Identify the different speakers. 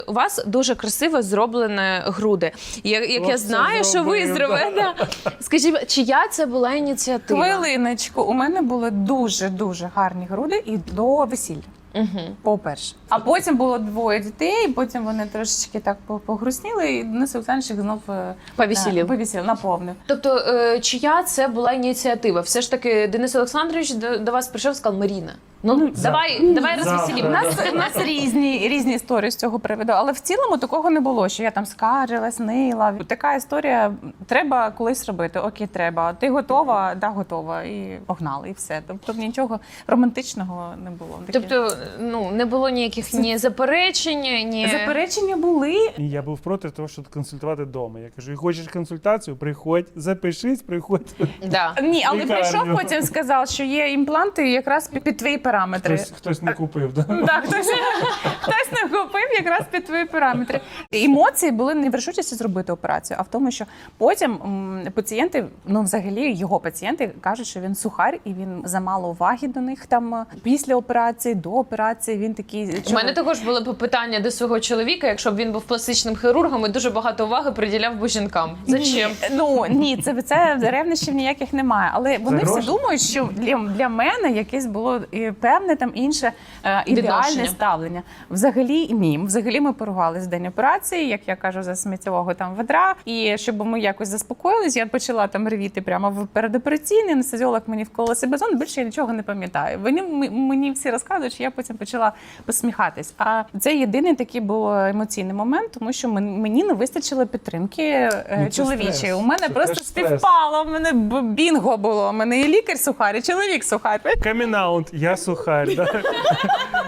Speaker 1: У вас дуже красиво зроблені груди. Як я знаю, що ви зробили. Да. Скажіть, чия це була ініціатива?
Speaker 2: Хвилиночку, у мене були дуже-дуже гарні груди і до весілля. По-перше. А потім було 2 дітей, потім вони трошечки так погрустніли, і Денис Олександрович їх знов
Speaker 1: Повесілів.
Speaker 2: наповнив.
Speaker 1: Тобто, чия це була ініціатива? Все ж таки, Денис Олександрович до вас прийшов і сказав: Маріна, давай розвеселімо.
Speaker 2: У нас різні історії з цього приводу, але в цілому такого не було, що я там скаржилась, нила. Така історія, треба колись робити, окей, треба. Ти готова? Да, готова. І погнали, і все. Тобто нічого романтичного не було.
Speaker 1: Тобто, не було ніяких ні заперечень, ні...
Speaker 2: Заперечення були.
Speaker 3: І я був проти того, щоб консультувати вдома. Я кажу, хочеш консультацію, приходь, запишись, приходь.
Speaker 1: Да.
Speaker 2: Ні, але
Speaker 3: Лікарню.
Speaker 2: прийшов потім, сказав, що є імпланти якраз під твої параметри.
Speaker 3: Хтось не купив, да?
Speaker 2: Так, хтось не купив якраз під твої параметри. Емоції були не в рішучості зробити операцію, а в тому, що потім пацієнти, взагалі його пацієнти кажуть, що він сухар і він замало уваги до них там після операції, до операції. Він такий.
Speaker 1: У мене також були б питання до свого чоловіка, якщо б він був пластичним хірургом і дуже багато уваги приділяв би жінкам. Зачем?
Speaker 2: Ні, це ревнощів ніяких немає. Але вони всі думають, що для мене якесь було певне там інше ідеальне ставлення. Взагалі ні. Взагалі ми поругались в день операції, як я кажу, за сміттєвого там ведра. І щоб ми якось заспокоїлись, я почала там ревіти прямо в передопераційний, анестезіолог мені вколола себезон, більше я нічого не пам'ятаю. Вони мені всі розказують, що я потім почала посміхатись. А це єдиний такий був емоційний момент, тому що мені не вистачило підтримки чоловічої. У мене просто співпало, у мене бінго було. У мене і лікар сухар, і чоловік сухар.
Speaker 3: Камінаунт, я сухар, да?